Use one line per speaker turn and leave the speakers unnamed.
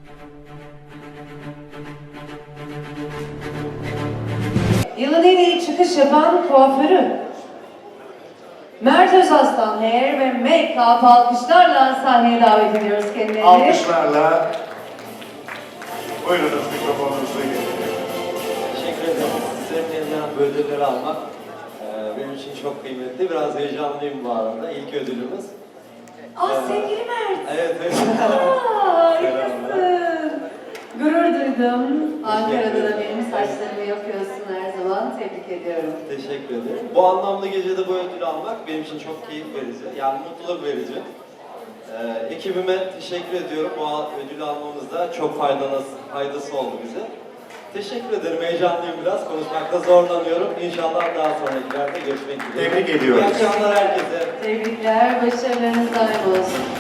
Yılın en iyi çıkış yapan kuaförü Mert Özaslan Hair ve Make-up alkışlarla sahneye davet ediyoruz kendilerini.
Alkışlarla buyurunuz, mikrofonunuzu getirin.
Teşekkür ederim. Sizlerin elinden bu ödülleri almak benim için çok kıymetli. Biraz heyecanlıyım bu arada. İlk ödülümüz.
Sevgili Mert.
Evet, evet.
Harikasın. Gurur duydum. Ankara'da da
ederim.
benim saçlarımı yapıyorsun her zaman. Tebrik ediyorum.
Teşekkür ederim. Bu anlamlı gecede bu ödülü almak benim için çok keyif verici. Yani mutluluk verici. Ekibime teşekkür ediyorum. Bu ödülü almamızda çok faydası oldu bize. Teşekkür ederim. Heyecanlıyım biraz. Konuşmakta zorlanıyorum. İnşallah daha sonrakilerde görüşmek dileğiyle.
Tebrik ediyoruz.
İyi akşamlar herkese.
Tebrikler. Başarılarınız daim olsun.